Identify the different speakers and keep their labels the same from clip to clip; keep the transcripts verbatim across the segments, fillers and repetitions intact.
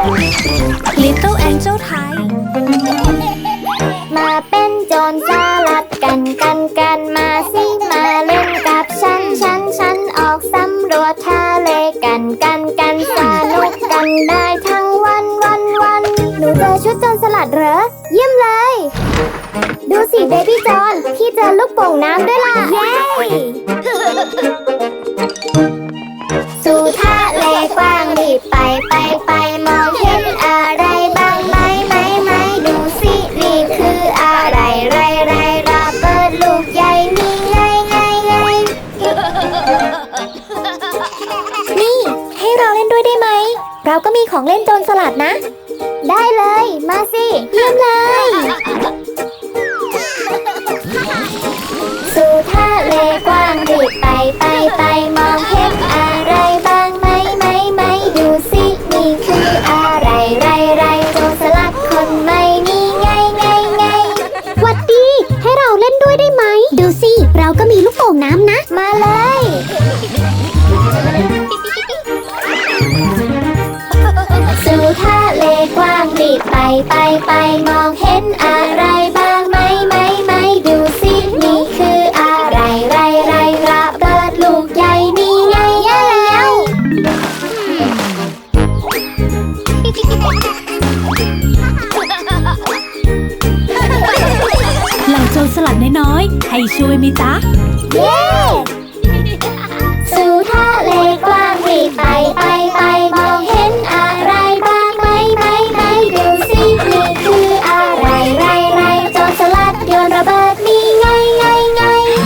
Speaker 1: Little Angel ไทย
Speaker 2: มาเป็นโจรสลัดกันกันกันมาสิมาเล่นกับฉันฉันฉันออกสำรวจทะเลกันกันกันสนุกกันได้ทั้งวันวันวันหนูเจอชุดโจรสลัดเหรอเยี่ยมเลยดูสิเบบี้จอนพี่เจอลูกโป่งน้ำด้วยล่ะเย้สู่ทะเลกว้างรีบไปไปไปมองเห็นอะไรบ้างไหมไหมไหมดูสินี่คืออะไรไรไรระเบิดลูกใหญ่นี่ไงไงไงนี่ให้เราเล่นด้วยได้ไหมเราก็มีของเล่นโจรสลัดนะได้เลยมาสิเยี่ยมเลยสู่ทะเลกว้างรีบไปไปไปมองเห็นอะไรบ้างไหมไหมไหมดูสินี่คืออะไรไรไรโจรสลัดคนใหม่นี่ไงไงไงหวัดดีให้เราเล่นด้วยได้ไหมดูสิเราก็มีลูกโป่งน้ำนะมาเลยสู่ทะเลกว้างรีบไปไปไปมองเห็นอะไรบ้างไหมไหมไหมดูสินี่คืออะไรไรไรระเบิดลูกใหญ่นี่ไงแย่แล้ว
Speaker 1: เหล่าโจรสลัดน้อยๆให้ช่วยไหมจ๊ะ
Speaker 2: เย้สู่ทะเลกว้างรีบไปไปไปมองเห็นอะไรบ้างไหมไหมไหมดูสินี่คืออะไรไรไรโจรสลัดโยนระเบิดนี่ไงไงไง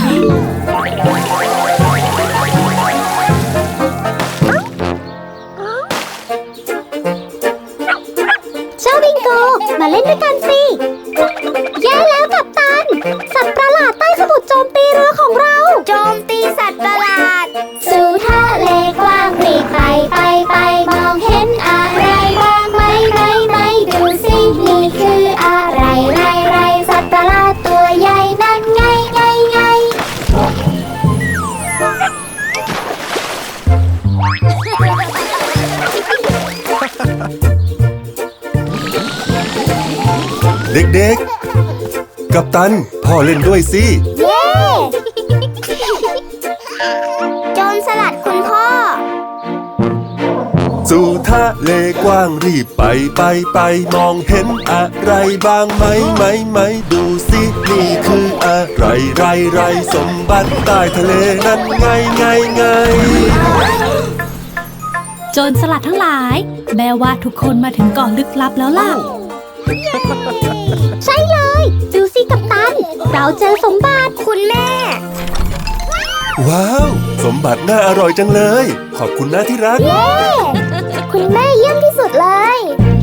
Speaker 2: เจ้าบิงโกมาเล่นด้วยกันสิแย่แล้วกัปตันสัตว์ประหลาดใต้สมุทรโจมตีเรือของเราโจมตีสัตว์ประหลาดสู่ทะเลกว้างรีบไปไปไปมองเห็นอะไรบ้างไหมไหมไหมดูสินี่คืออะไรไรไรสัตว์ประหลาดตัวใหญ่นั่นไงไงไง
Speaker 3: เด็กๆกัปตันพ่อเล่นด้วยสิ
Speaker 2: เย้โจรสลัดคุณพ่อ
Speaker 3: สู่ทะเลกว้างรีบไปไปไปมองเห็นอะไรบ้างไหมไหมไหมดูสินี่คืออะไรไรไรสมบัติใต้ทะเลนั้นไงไงไง
Speaker 1: โจรสลัดทั้งหลายแม่ว่าทุกคนมาถึงเกาะลึกลับแล้วล่ะ
Speaker 2: ใช่เลยดูสิกัปตันเราเจอสมบัติคุณแม่
Speaker 3: ว้าวสมบัติน่าอร่อยจังเลยขอบคุณนะที่รัก
Speaker 2: เย้คุณแม่เยี่ยมที่สุดเลย